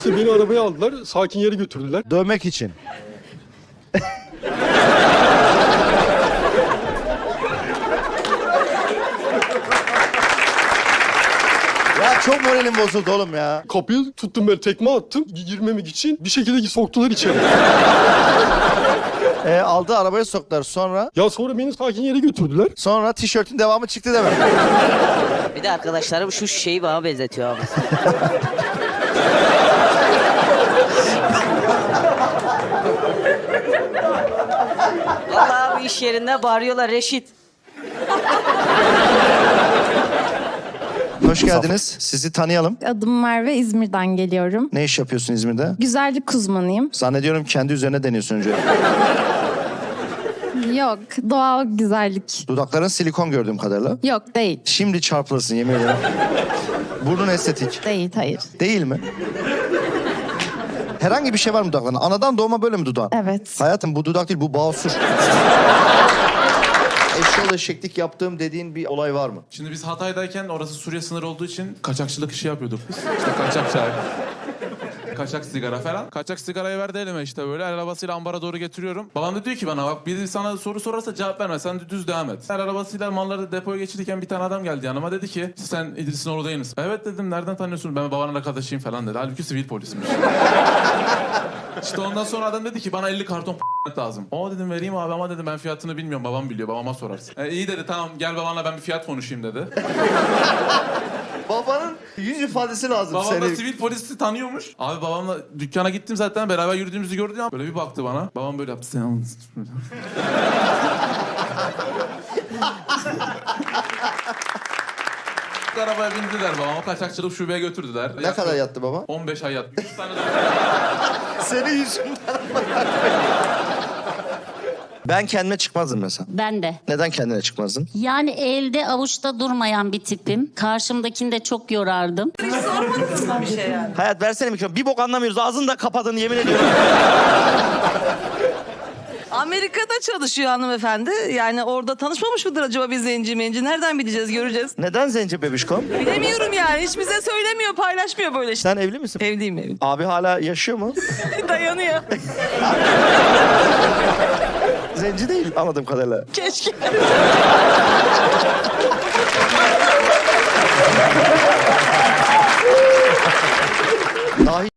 Beni arabaya aldılar, sakin yere götürdüler. Dövmek için. Ya çok moralim bozuldu oğlum ya. Kapıyı tuttum, ben tekme attım girmemek için. Bir şekilde soktular içeri. Aldı arabaya soktular sonra. Ya sonra beni sakin yere götürdüler. Sonra tişörtün devamı çıktı deme. Bir de arkadaşlarım şu şeyi bana benzetiyor abi. Vallahi bu iş yerinde bağırıyorlar Reşit. Hoş geldiniz. Sizi tanıyalım. Adım Merve, İzmir'den geliyorum. Ne iş yapıyorsun İzmir'de? Güzellik uzmanıyım. Zannediyorum kendi üzerine deniyorsun önce. Yok, doğal güzellik. Dudakların silikon gördüğüm kadarıyla. Yok, değil. Şimdi çarpılırsın yemin ederim. Burnun estetik. Değil, hayır. Değil mi? Herhangi bir şey var mı dudaklarında? Anadan doğma böyle mi dudağın? Evet. Hayatım bu dudak değil, bu basur. Eşyol eşeklik yaptığım dediğin bir olay var mı? Şimdi biz Hatay'dayken orası Suriye sınırı olduğu için kaçakçılık işi yapıyorduk biz. İşte kaçak çay. Kaçak sigara falan. Kaçak sigarayı verdi elime işte böyle. El arabasıyla ambara doğru getiriyorum. Babam da diyor ki bana bak biri sana soru sorarsa cevap verme. Sen düz devam et. El arabasıyla malları depoya geçirirken bir tane adam geldi yanıma. Dedi ki sen İdris'in oğlu değil misin? Evet dedim, nereden tanıyorsun? Ben babanın arkadaşıyım falan dedi. Halbuki sivil polismiş. İşte ondan sonra adam dedi ki bana 50 karton lazım. O dedim vereyim abi ama dedim ben fiyatını bilmiyorum. Babam biliyor, babama sorarsın. İyi dedi, tamam gel babanla ben bir fiyat konuşayım dedi. Babanın yüz ifadesi lazım Babam seni. da sivil polisi tanıyormuş. Abi babamla dükkana gittim zaten, beraber yürüdüğümüzü gördü ya. Böyle bir baktı bana. Babam böyle yaptı. Sen arabaya bindiler babamı, kaçakçılık şubeye götürdüler. Ne kadar yattı baba? 15 ay yattı. 3 tane de... Senin yüzünden. Ben kendime çıkmazdım mesela. Ben de. Neden kendine çıkmazdın? Yani elde avuçta durmayan bir tipim. Karşımdakini de çok yorardım. Hayat versene mikrofonu. Bir bok anlamıyoruz. Ağzını da kapadın yemin ediyorum. Amerika'da çalışıyor hanımefendi. Yani orada tanışmamış mıdır acaba bir zenci menci? Nereden bileceğiz, göreceğiz. Neden zenci bebişkom? Bilemiyorum yani. Hiç bize söylemiyor, paylaşmıyor böyle işte. Sen evli misin? Evliyim, evliyim. Abi hala yaşıyor mu? Dayanıyor. Zenci değil anladığım kadarıyla. Keşke. Dahi